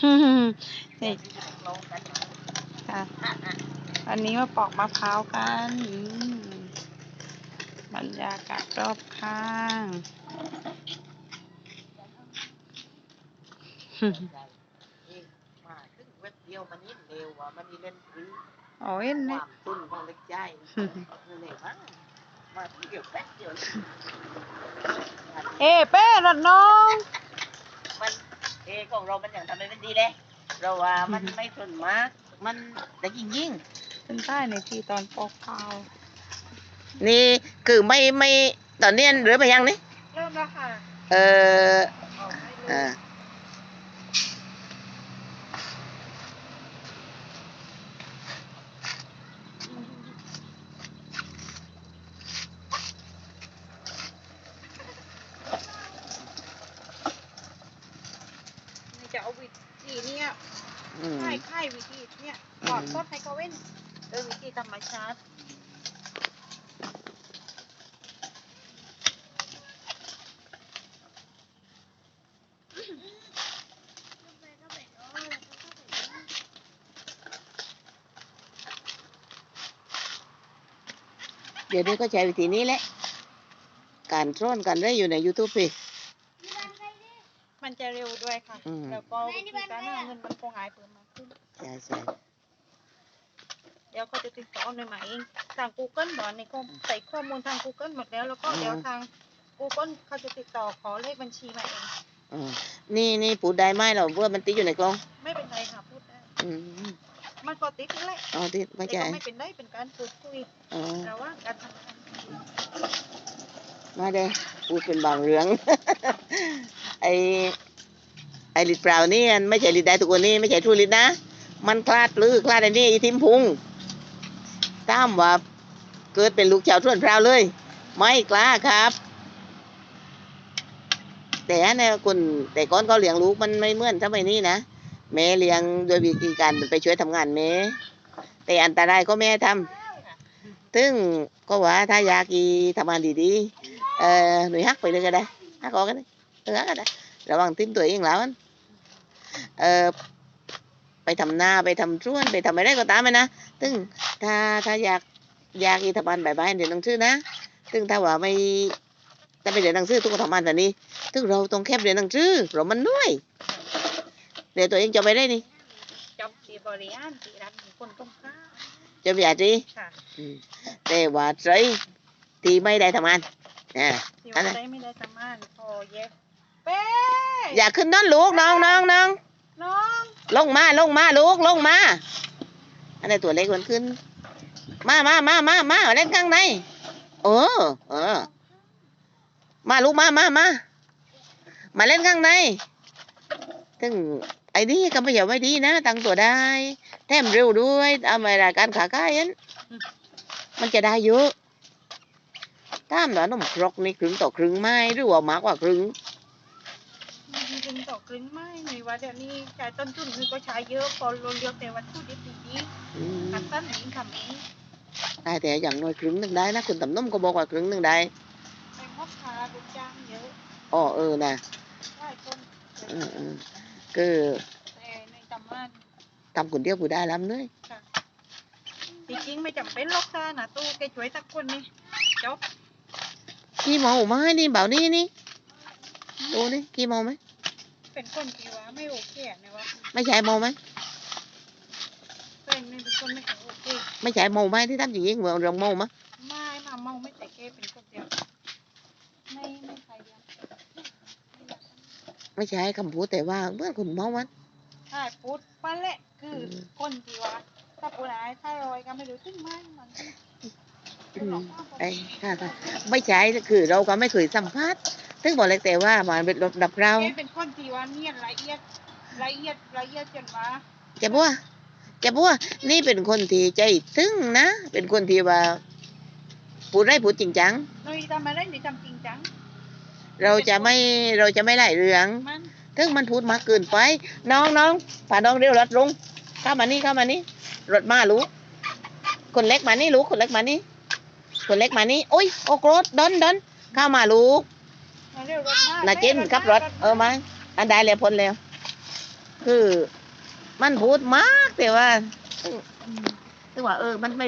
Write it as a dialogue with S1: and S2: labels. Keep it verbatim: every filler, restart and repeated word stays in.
S1: นี่ค่ะอันนี้มาปอกมะพร้าวกันบรรยากาศรอบข้าง
S2: มาถึงเว็บเดียวมันนี่เร็วอ่ะมันนี่เล่นรื้อ
S1: โอ้ย
S2: ค
S1: เนี่ยว
S2: ามตุ้นของเล็กใจเร็วมากมาเดียวแป๊บเดียว
S1: เอ้เป้รถน้อง
S2: มันเอของเรามันอย่างทำให้มันดีเลยเราว่ามันไม่ทนมากมันแต่ยิ่งยิ่ง
S1: เป็นใต้ในทีตอนปอกข้าว
S2: นี่คือไม่ไม่ตอนนี้หรือไปยังนี่
S1: เริ่มแล้วค่ะ
S2: เออเออ
S1: จะเอาวิธีเนี้ยค่ายค่ายวิธีเนี้ยก่อนต้นไฮโคเว่นเออวิธีธรรมชาติ
S2: เดี๋ยวนี้ก็ใช้วิธีนี้แหละการซ่อนกันได้อยู่ใน YouTube พี่
S1: มันจะเร็วด้วยค่ะแล้วก็วิธีการหาเงินมันคงหายเพิ่มมากขึ้น
S2: ใช่ใช่
S1: เดี๋ยวเขาจะติดต่อหน่วยมาเองทาง Google บอนในข้อใส่ข้อมูลทาง Google หมดแล้วแล้วก็เดี๋ยวทาง Google เขาจะติดต่อขอเลขบัญชีมาเอง
S2: นี่นี่พูดได้ไหมเราเพื่อมันติดอยู่ในกล้อง
S1: ไม่เป็นไรค่ะพูดได้มันก็ติดนั่นแหละ
S2: อ๋อติดไม่ใช่
S1: ไม่เป็นได้เป็นการพูดคุยแต่ว่าการทำงาน
S2: มาเด้พูดเป็นบางเรื่อง ไอไอลิดเปล่านี่ไม่ใช่ลิดได้ทุกคนนี่ไม่ใช่ทูลิดนะมันคลาดลือคลาดไอ้นี่อีทิมพุงตามว่าเกิดเป็นลูกชาวส่วนพราวเลยไม่กล้าครับแต่เนี่ยคนแต่ก่อนเขาเลี้ยงลูกมันไม่เหมือนสมัยนี้นะแม่เลี้ยงโดยวิธีการไปช่วยทำงานแม่แต่อันตรายก็แม่ทำซึ่งก็ว่าถ้าอยากกีทำงานดีๆเออหนุ่ยฮักไปเลยก็ได้ฮักออกกันเลยเออฮักก็ได้ระวังทิ้งตัวเองแล้วเออไปทำหน้าไปทำช่วนไปทำอะไรก็ตามไปนะซึ่งถ้าถ้าอยากอยากกีทำงานบ่ายๆเดี๋ยวต้องชื่อนะซึ่งถ้าว่าไม่แต่ไปเรียนหนังสือทุกคนทำงานแต่นี้ซึ่งเราต้องแคบเรียนหนังสือเรามันด้วยเดี๋ยวตัวเองจะไปได้นี่
S1: จบที่บริหารที่ร้านคนต้องค้า
S2: จะไปอาจีแต่ว่าใจที่ไม่ได้ทำงานอ่า
S1: อันนั้นไม่ได้ทำงานพอเย็บเป้
S2: อย่าขึ้นนั่นลูกน้องน้องน้อง
S1: น้อง
S2: ลงมาลงมาลูกลงมาอันนี้ตัวเล็กมันขึ้นมามามามามาเล่นข้างในเออเออมาลูกมามามามาเล่นข้างในถึงไอ้นี่ก็ไม่อยากไว้ดีนะตั้งตัวได้แถมเร็วด้วยเอามารายการขาใกล้ยันมันจะได้เยอะตามหน่อยน้ำครกนี่ครึ่งต่อครึ่งไม้หรือว่ามากกว่าครึ่ง
S1: ครึ่งต่อครึ่งไม้ในว่าเดี๋ยวนี้ใช้ต้นทุนคือก็ใช้เยอะพอเราเลือกแต่วัตถุดิบดีๆขั้นตอนนี้ทำเอง
S2: ได้แต่อย่างน้อยครึ่งหนึ่งได้นะคุณตำน้มก็บอกว่าครึ่งหนึ่งได้
S1: เป็นงบค่าลูกจ้างเยอะ
S2: อ๋อเออนะ
S1: ได้คน
S2: อืมอืมคือ
S1: แต่ในตำนาน
S2: ทำคนเดียวผู้ได้ล้ำเลย
S1: จริงๆไม่จำเป็นหรอกค่ะนะตู้แกช่วยสักคนนี่จบ
S2: กี่โมงมาให้นี่เบานี่นี่ดูนี่กี่โมงไหม
S1: เป็นคนที่ว่าไม่โอเคนะวะ
S2: ไม่ใช่โมไหม
S1: เป็นเป็นคนไม่โอเค
S2: ไม่ใช่โมไหมที่ทำอย่างนี้เหมือนเราโมมั้ย
S1: ไม่มาเมาไม่ใช่แกเป็นคนเดียวไม่ไม่ใครเดียว
S2: ไม่ใช่คำพูดแต่ว่าเมื่อคุณเมามัน
S1: ใช่พูดไปแหละคือคนที่ว่าถ้าพูดอะไรถ้ารอยก็ไม่รู้ตึ้งไม่มัน
S2: ไอ้ค่ะค่ะไม่ใช่คือเราก็ไม่เคยสัมภาษณ์ซึ่งบอกเลยแต่ว่ามันเป็นดับเรา
S1: เป็นคนที่ว่าเนียนละเอียดละเอียดละเอียดจนว่า
S2: แกบัวแกบัวนี่เป็นคนที่ใจซึ้งนะเป็นคนที่ว่าพูดได้พูดจริงจัง
S1: เราทำอะไรนี่ทำจริงจัง
S2: เราจะไม่เราจะไม่ไล่เรื่องถึงมันพูดมากเกินไปน้องน้องฝ่าน้องเร็วรถลุงเข้ามานี่เข้ามานี่รถมาลูกคนเล็กมานี่ลูกคนเล็กมานี่คนเล็กมานี่โอ้ยโอ้โกรธดนดนเข้ามาลูกนาเจนขับรถเออมาอันใดเลยพ้นแล้วคือมันพูดมากแต่ว่าซึ่งซึ่งว่าเออมันไม่